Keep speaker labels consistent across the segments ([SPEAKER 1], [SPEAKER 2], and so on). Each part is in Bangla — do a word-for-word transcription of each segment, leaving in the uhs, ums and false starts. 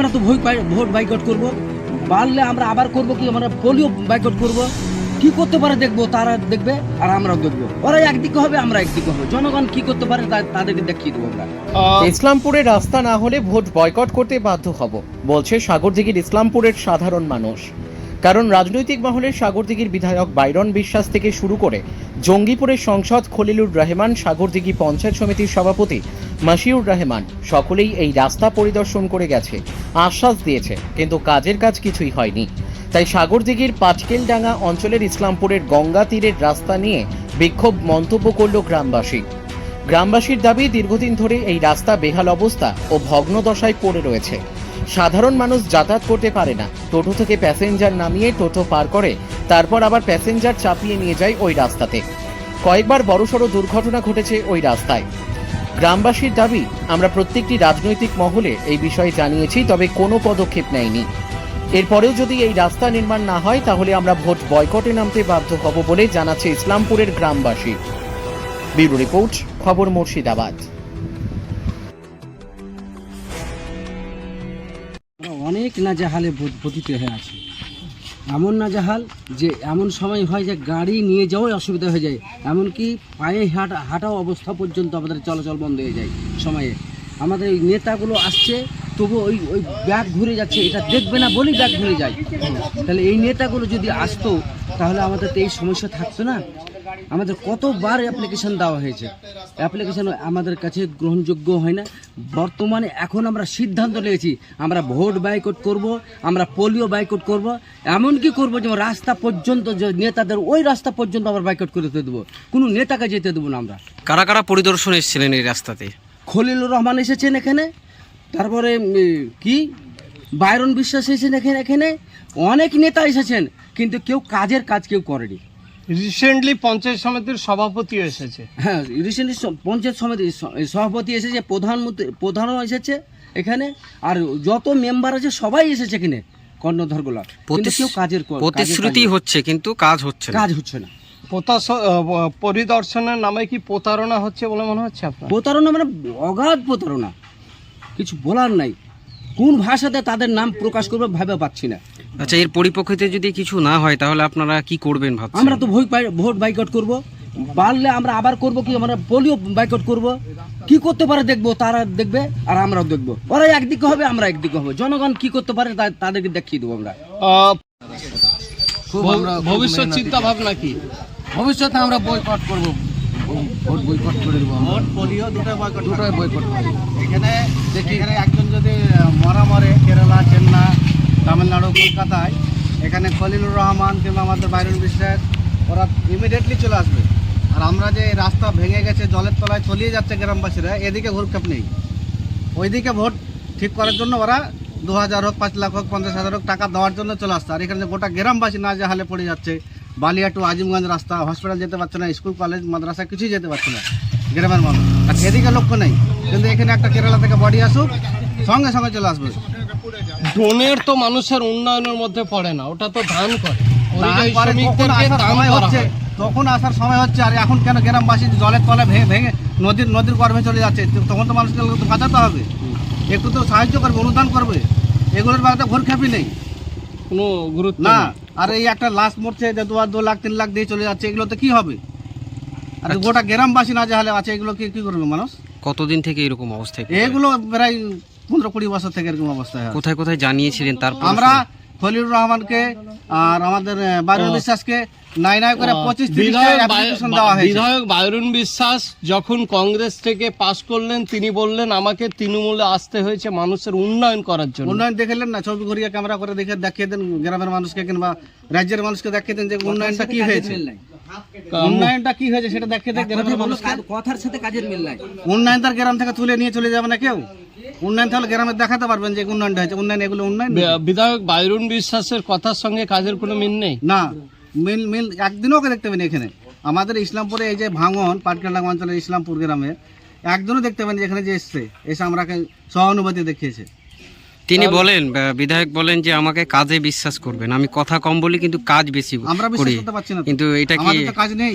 [SPEAKER 1] আমরা তো ভোট ভোট বয়কট করব, পারলে আমরা আবার করব কি আমরা পোলিও বয়কট করব। কি করতে পারে দেখবো, তারা দেখবে আর আমরাও দেখবো। ওরা একদিকে হবে, আমরা একদিকে হবে। জনগণ কি করতে পারে তাদেরকে দেখিয়ে দেবো আমরা।
[SPEAKER 2] ইসলামপুরে রাস্তা না হলে ভোট বয়কট করতে বাধ্য হব বলছে সাগরদিঘির ইসলামপুরের সাধারণ মানুষ। কারণ রাজনৈতিক মহলের সাগরদিঘির বিধায়ক বাইরন বিশ্বাস থেকে শুরু করে জঙ্গিপুরের সংসদ খলিলুর রহমান, সাগরদিঘি পঞ্চায়েত সমিতির সভাপতি মাসিউর রহমান সকলেই এই রাস্তা পরিদর্শন করে গেছে, আশ্বাস দিয়েছে, কিন্তু কাজের কাজ কিছুই হয়নি। তাই সাগরদিঘির পাটকেলডাঙ্গা অঞ্চলের ইসলামপুরের গঙ্গা তীরের রাস্তা নিয়ে বিক্ষোভ মন্তব্য করল গ্রামবাসী। গ্রামবাসীর দাবি, দীর্ঘদিন ধরে এই রাস্তা বেহাল অবস্থা ও ভগ্ন দশায় পড়ে রয়েছে। সাধারণ মানুষ যাতায়াত করতে পারে না, টোটো থেকে প্যাসেঞ্জার নামিয়ে টোটো পার করে তারপর আবার প্যাসেঞ্জার চাপিয়ে নিয়ে যায় ওই রাস্তাতে। কয়েকবার বড়সড় দুর্ঘটনা ঘটেছে ওই রাস্তায়। গ্রামবাসীর দাবি, আমরা প্রত্যেকটি রাজনৈতিক মহলে এই বিষয়ে জানিয়েছি, তবে কোনো পদক্ষেপ নেয়নি। এরপরেও যদি এই রাস্তা নির্মাণ না হয় তাহলে আমরা ভোট বয়কটে নামতে বাধ্য হব বলে জানাচ্ছে ইসলামপুরের গ্রামবাসী। ব্যুরো রিপোর্ট, খবর মুর্শিদাবাদ।
[SPEAKER 1] অনেক নাজেহালে পতিত হয়ে আছে, এমন নাজেহাল যে এমন সময় হয় যে গাড়ি নিয়ে যাওয়াই অসুবিধা হয়ে যায়, এমনকি পায়ে হাঁটা হাঁটাও অবস্থা পর্যন্ত আমাদের চলাচল বন্ধ হয়ে যায় সময়ে। আমাদের ওই নেতাগুলো আসছে, তবু ওই ওই ব্যাগ ঘুরে যাচ্ছে, এটা দেখবে না বলেই ব্যাগ ঘুরে যায়। তাহলে এই নেতাগুলো যদি আসতো তাহলে আমাদের তো এই সমস্যা থাকতো না। আমাদের কতবার অ্যাপ্লিকেশন দেওয়া হয়েছে, অ্যাপ্লিকেশন আমাদের কাছে গ্রহণযোগ্য হয় না। বর্তমানে এখন আমরা সিদ্ধান্ত নিয়েছি, আমরা ভোট বয়কট করব, আমরা পোলিও বয়কট করব, এমনকি করব যে রাস্তা পর্যন্ত, যে নেতাদের ওই রাস্তা পর্যন্ত আমরা বয়কট করে দেবো, কোনো নেতাকে যেতে দেবো না আমরা।
[SPEAKER 3] কারা কারা পরিদর্শন এসেছিলেন এই রাস্তাতে?
[SPEAKER 1] খলিলুর রহমান এসেছেন এখানে, তারপরে কি বাইরন বিশ্বাস এসেছেন এখানে, এখানে অনেক নেতা এসেছেন, কিন্তু কেউ কাজের কাজ কেউ করেনি।
[SPEAKER 4] রিসেন্টলি পঞ্চায়েত সমিতির সভাপতি এসেছে।
[SPEAKER 1] হ্যাঁ, রিসেন্টলি পঞ্চায়েত সমিতির সভাপতি এসেছে, প্রধানমন্ত্রী প্রধানও এসেছে এখানে, আর যত মেম্বার আছে সবাই এসেছে এখানে কর্ণধরগুলা, কিন্তু কেউ কাজের
[SPEAKER 3] প্রতিশ্রুতি হচ্ছে কিন্তু কাজ হচ্ছে না,
[SPEAKER 1] কাজ হচ্ছে না।
[SPEAKER 4] পরিদর্শনের নামে কি প্রতারণা হচ্ছে বলে মনে হচ্ছে আপনার?
[SPEAKER 1] প্রতারণা মানে অগাধ প্রতারণা, কিছু বলার নাই। কোন ভাষাতে তাদের নাম প্রকাশ করবে ভাবে পাচ্ছি না।
[SPEAKER 3] আচ্ছা, এর পরিপ্রেক্ষিতে যদি কিছু না হয় তাহলে আপনারা কি করবেন ভাবছেন?
[SPEAKER 1] আমরা তো ভোট ভোট বয়কট করব, পারলে আমরা আবার করব কি আমরা পোলিও বয়কট করব। কি করতে পারে দেখবো, তারা দেখবে আর আমরাও দেখবো। ওরা একদিকে হবে, আমরা একদিকে হবে। জনগণ কি করতে পারে তাদেরকে দেখিয়ে দেবো আমরা।
[SPEAKER 4] ভবিষ্যৎ চিন্তা ভাবনা কি?
[SPEAKER 1] ভবিষ্যতে আমরা বয়কট করব, ভোট বয়কট করে দেবো।
[SPEAKER 5] ভোট পোলিও দুটো বয়কট দুটোই বয়কট করব। এখানে এখানে একজন যদি মরা মরে কেরালা, চেন্নাই, তামিলনাড়ু, কলকাতায়, এখানে খলিলুর রহমান কিংবা আমাদের বাইরন বিশ্বাস, ওরা ইমিডিয়েটলি চলে আসবে। আর আমরা যে রাস্তা ভেঙে গেছে, জলের তলায় তলিয়ে যাচ্ছে গ্রামবাসীরা, এদিকে ভূক্ষেপ নেই। ওইদিকে ভোট ঠিক করার জন্য ওরা দু হাজার হোক, পাঁচ লাখ হোক, পঞ্চাশ হাজার হোক টাকা দেওয়ার জন্য চলে আসছে। আর এখানে গোটা গ্রামবাসী না যে হালে পড়ে যাচ্ছে, বালিয়া টু আজিমগঞ্জ রাস্তা, হসপিটাল যেতে পারছে না, স্কুল কলেজ মাদ্রাসা কিছুই যেতে পারছে না গ্রামের মানুষ। এদিকে লক্ষ্য নেই, কিন্তু এখানে একটা কেরালা থেকে বডি আসুক, সঙ্গে সঙ্গে চলে আসবে।
[SPEAKER 4] ড্রোনের তো মানুষের উন্নয়নের মধ্যে পড়ে না, ওটা তো ধান করে।
[SPEAKER 5] তখন আসার সময় হচ্ছে, আর এখন কেন গ্রামবাসী জলের তলে ভেঙে ভেঙে নদীর নদীর গর্ভে চলে যাচ্ছে, তখন তো মানুষকে বাঁচাতে হবে, একটু তো সাহায্য করবে, অনুদান করবে। এগুলোর ব্যাপারে ভরখ্যাপি নেই,
[SPEAKER 4] কোনো গুরুত্ব
[SPEAKER 5] না। আর এই একটা লাশ মরছে যে দু দু লাখ তিন লাখ দিয়ে চলে যাচ্ছে, এগুলো তো কি হবে? আর গোটা গ্রামবাসী না যে হালে আছে, এগুলো কি কি করবে মানুষ?
[SPEAKER 3] কতদিন থেকে এরকম অবস্থা?
[SPEAKER 5] এগুলো প্রায় পনেরো কুড়ি বছর থেকে এরকম অবস্থা।
[SPEAKER 3] কোথায় কোথায় জানিয়েছিলেন? তারপর
[SPEAKER 5] আমরা খলিলুর রহমানকে আর আমাদের বাইরন বিশ্বাসকে নাই নাই করে পঁচিশ
[SPEAKER 4] বিধায়ক বাইরন বিশ্বাস যখন কংগ্রেস থেকে পাশ করলেন, তিনি বললেন আমাকে তৃণমূলে আসতে হয়েছে মানুষের উন্নয়ন করার জন্য।
[SPEAKER 5] উন্নয়ন দেখলেন না? ছবি ঘুরিয়ে ক্যামেরা করে দেখে দেখিয়ে দেন গ্রামের মানুষকে কিংবা রাজ্যের মানুষকে দেখিয়ে দেন যে উন্নয়নটা কি হয়েছে, উন্নয়নটা কি হয়েছে সেটা দেখিয়ে দেন গ্রামের মানুষকে।
[SPEAKER 1] কথার সাথে কাজের মিল নাই।
[SPEAKER 5] উন্নয়ন তার গ্রাম থেকে তুলে নিয়ে চলে যাবে না কেউ। উন্নয়ন তাহলে গ্রামে দেখাতে পারবেন যে উন্নয়নটা হয়েছে। উন্নয়ন এগুলো উন্নয়ন।
[SPEAKER 4] বিধায়ক বাইরন বিশ্বাসের কথার সঙ্গে কাজের কোনো মিল নেই
[SPEAKER 5] না, মিল মিল একদিনও ওকে দেখতে পাবেন এখানে। আমাদের ইসলামপুরে এই যে ভাঙন, পাটকেলডাঙ্গা অঞ্চলের ইসলামপুর গ্রামে একজনও দেখতে পাবেন যেখানে যে এসছে, এসে আমরাকে সহানুভূতি দেখিয়েছে।
[SPEAKER 3] তিনি বলেন, বিধায়ক বলেন যে আমাকে কাজে বিশ্বাস করবেন, আমি কথা কম বলি কিন্তু কাজ বেশি
[SPEAKER 5] আমরা বিশ্বাস করতে পারছি না,
[SPEAKER 3] কিন্তু এটা কি
[SPEAKER 5] আমাদের তো কাজ নেই।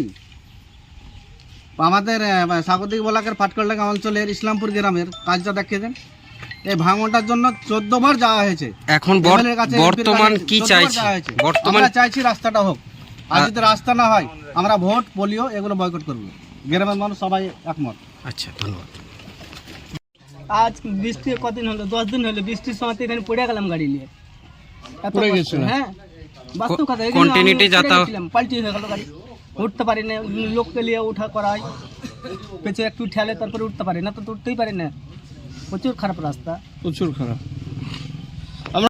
[SPEAKER 5] আমাদের সাগরদিঘি ব্লকের পাটকেলডাঙ্গা অঞ্চলের ইসলামপুর গ্রামের কাজটা দেখিয়ে দেন। এই ভাঙনটার জন্য চোদ্দ বার যাওয়া হয়েছে।
[SPEAKER 3] এখন বর-
[SPEAKER 5] এমএলএর কাছে, এমপির
[SPEAKER 3] বর্তমান
[SPEAKER 5] কাছে
[SPEAKER 3] কি
[SPEAKER 5] চোদ্দ বার
[SPEAKER 3] চাইছে?
[SPEAKER 5] যাওয়া হয়েছে।
[SPEAKER 3] বর্তমান
[SPEAKER 5] আমরা চাইছি রাস্তাটা হোক, আর যদি রাস্তা না হয় আমরা ভোট পোলিও এগুলো বয়কট করবো। গ্রামের মানুষ সবাই একমত।
[SPEAKER 3] আচ্ছা, ধন্যবাদ।
[SPEAKER 6] আজ বৃষ্টি কদিন হলো, দশ দিন হলো, বৃষ্টির সময় তো এখানে পড়ে গেলাম গাড়ি নিয়ে। এত
[SPEAKER 4] পড়ে
[SPEAKER 6] কষ্ট,
[SPEAKER 4] গেছিলেন?
[SPEAKER 6] হ্যাঁ, বাস্তব কথা। এখানে
[SPEAKER 3] Continuity
[SPEAKER 6] আমি পড়ে
[SPEAKER 3] যাতায়াত-
[SPEAKER 6] গেছিলাম, পাল্টি হয়ে গেল গাড়ি, উঠতে পারি না, লোককে নিয়ে উঠা করাই, পেছনে একটু ঠেলে তারপরে উঠতে পারি না, তো তো উঠতেই পারি না। প্রচুর খারাপ রাস্তা।
[SPEAKER 4] প্রচুর খারাপ।